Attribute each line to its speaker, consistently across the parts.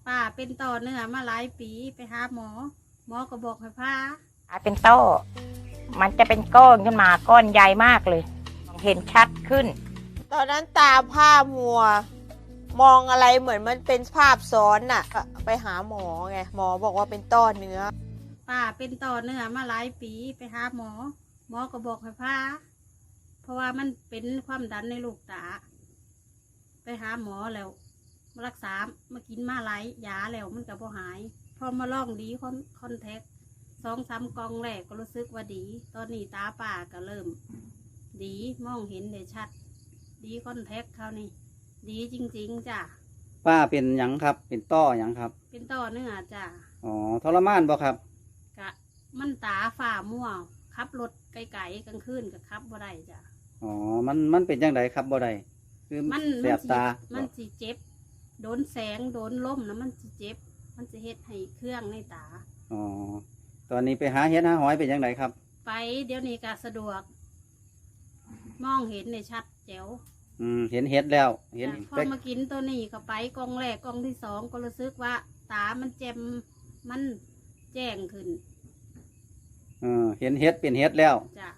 Speaker 1: ป้าเป็นต่อเนื้อมาหลายปีไปหาหมอก็บอกให้พา
Speaker 2: เป็นต้อมันจะเป็นก้อนขึ้นมาก้อนใหญ่มากเลยเห็นชัดขึ้น
Speaker 3: ตอนนั้นตาผ้ามัวมองอะไรเหมือนมันเป็นภาพซ้อนน่ะไปหาหมอไงหมอบอกว่าเป็นต้อเนื้อ
Speaker 1: ป้าเป็นต่อเนื้อมาหลายปีไปหาหมอก็บอกให้พาเพราะว่ามันเป็นความดันในลูกตาไปหาหมอแล้วมารักษามากินมาหลายยาแล้วมันก็บ่หายพอมาลองดีคอนแทค2-3 กล่องแรกก็รู้สึกว่าดีตอนนี้ตาป้าก็เริ่มดีมองเห็นได้ชัดดีคอนแทคเขานี่ดีจริงๆจ้ะ
Speaker 4: ป้าเป็นหยังครับเป็นต้อหยังครับ
Speaker 1: เป็นต่อเนื้อจ้ะ
Speaker 4: อ๋อทรมานบ่ครับ
Speaker 1: กะมันตาฝ่ามั่วขับรถไกลๆกลางคืนกับขับบ่ได้จ้ะ
Speaker 4: อ๋อมันเป็นจังไดครับบ่ได้คือแสบตา
Speaker 1: มันสิเจ็บโดนแสงโดนลมนะมันสิเจ็บมันจะเฮ็ดให้เครื่องในตา
Speaker 4: อ๋อตอนนี้ไปหาเห็ดหาหอยเป็นจังไดครับ
Speaker 1: ไปเดี๋ยวนี้ก็สะดวกมองเห็นในชัดแจ๋ว
Speaker 4: เห็นเห็ดแล้วเห็น
Speaker 1: พอมากินตัวนี้ก็ไปกล่องแรกกล่องที่2ก็รู้สึกว่าตามันแจ่มมันแจ้งขึ้น
Speaker 4: เห็นเห็ดเป็นเห็ดแล้ว
Speaker 1: จ้ะ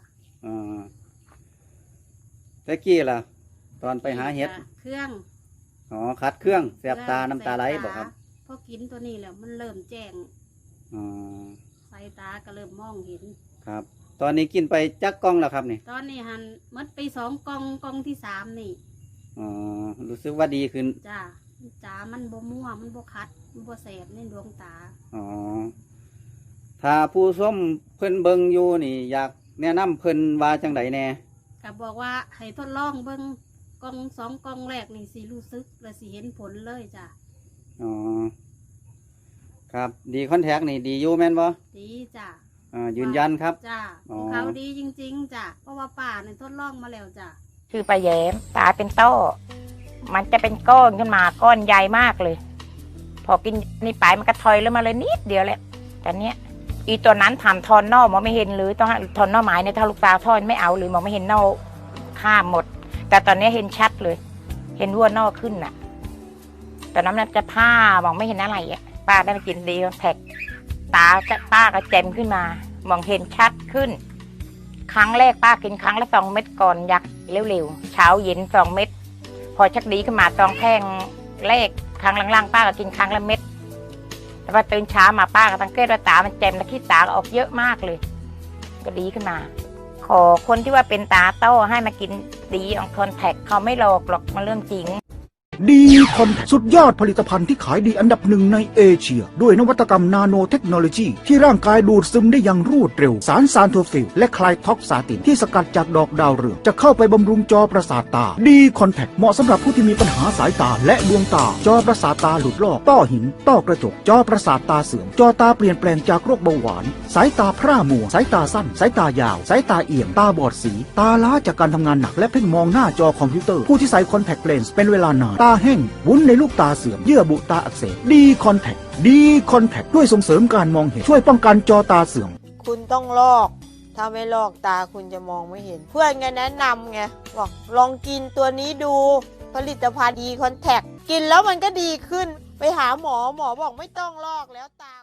Speaker 4: ตะกี้ล่ะตอนไปหาเห็ด
Speaker 1: เครื่อง
Speaker 4: อ๋อคัดเครื่องแสบตาน้ำตาไหลบอกครับ
Speaker 1: พอกินตัวนี้แล้วมันเริ่มแจ้งสายตาก็เริ่มมองเห็น
Speaker 4: ครับตอนนี้กินไปจักกล่องแล้วครับนี่
Speaker 1: ตอนนี้หันมัดไป2 กล่องที่3นี่
Speaker 4: อ๋อรู้สึกว่าดีขึ้น
Speaker 1: จ้าตามันบ่มั่วมันบ่คัดมันบ่แสบในดวงตา
Speaker 4: อ๋อถ้าผู้ส้มเพิ่นเบิงอยู่นี่อยากแนะนำเพิ่นว่าจังไดแน่
Speaker 1: ก็บอกว่าให้ทดลองเบิ่งกล่อง2 กล่องแรกนี่สิรู้สึกและสิเห็นผลเลยจ้ะ
Speaker 4: อ๋อครับดีคอนแทคนี่ดีอยู่แม่นบ่
Speaker 1: ดีจ้ะ
Speaker 4: ยืนยันครับ
Speaker 1: จ้ะของเขาดีจริงๆจ้ะเพราะว่าป้าเนี่ยทดลองมาแล้วจ้ะ
Speaker 2: คือปลาแย้มตาเป็นต้อมันจะเป็นก้อนขึ้นมาก้อนใหญ่มากเลยพอกินนี่ไปมันก็ถอยแล้วมาเลยนิดเดียวแหละแต่เนี้ยอีตัวนั้นทำทอนนอกมองไม่เห็นหรือต้องทอนนอกหมายในถ้าลูกตาทอนไม่เอาหรือมองไม่เห็นนอกข้ามหมดแต่ตอนนี้เห็นชัดเลยเห็นวัวนอกขึ้นน่ะตอนนั้นมันจะผ้ามองไม่เห็นอะไรอ่ะป้าได้มากินดีแท็กตาป้าก็แจ่มขึ้นมามองเห็นชัดขึ้นครั้งแรกป้ากินครั้งละ2 เม็ดก่อนอยากเร็วๆเช้าเย็น2 เม็ดพอชักดีขึ้นมา2 แท่งแรกครั้งหลังๆป้าก็กินครั้งละเม็ดแต่พอตื่นเช้ามาป้าก็สังเกตว่าตามันแจ่มและขี้ตาก็ออกเยอะมากเลยก็ดีขึ้นมาขอคนที่ว่าเป็นตาโต้ให้มากินดีอองคอนแทคเขาไม่หลอกหรอกมันเรื่องจริง
Speaker 5: ดีคอนสุดยอดผลิตภัณฑ์ที่ขายดีอันดับ1ในเอเชียด้วยนวัตกรรมนาโนเทคโนโลยีที่ร่างกายดูดซึมได้อย่างรวดเร็วสารซานโทฟิลและคลายท็อกซาตินที่สกัดจากดอกดาวเรืองจะเข้าไปบำรุงจอประสาทตาดีคอนแทคเหมาะสำหรับผู้ที่มีปัญหาสายตาและดวงตาจอประสาทตาหลุดลอกต้อหินต้อกระจกจอประสาทตาเสื่อมจอตาเปลี่ยนแปลงจากโรคเบาหวานสายตาพร่ามัวสายตาสั้นสายตายาวสายตาเอี่ยมตาบอดสีตาล้าจากการทำงานหนักและเพ่งมองหน้าจอคอมพิวเตอร์ผู้ที่ใส่คอนแทคเลนส์เป็นเวลานานตาแห้งวุ้นในลูกตาเสื่อมเยื่อบุตาอักเสบดีคอนแทคด้วยส่งเสริมการมองเห็นช่วยป้องกันจอตาเสื่อม
Speaker 3: คุณต้องลอกถ้าไม่ลอกตาคุณจะมองไม่เห็นเพื่อนไงแนะนำไงบอกลองกินตัวนี้ดูผลิตภัณฑ์ดีคอนแทคกินแล้วมันก็ดีขึ้นไปหาหมอบอกไม่ต้องลอกแล้วตา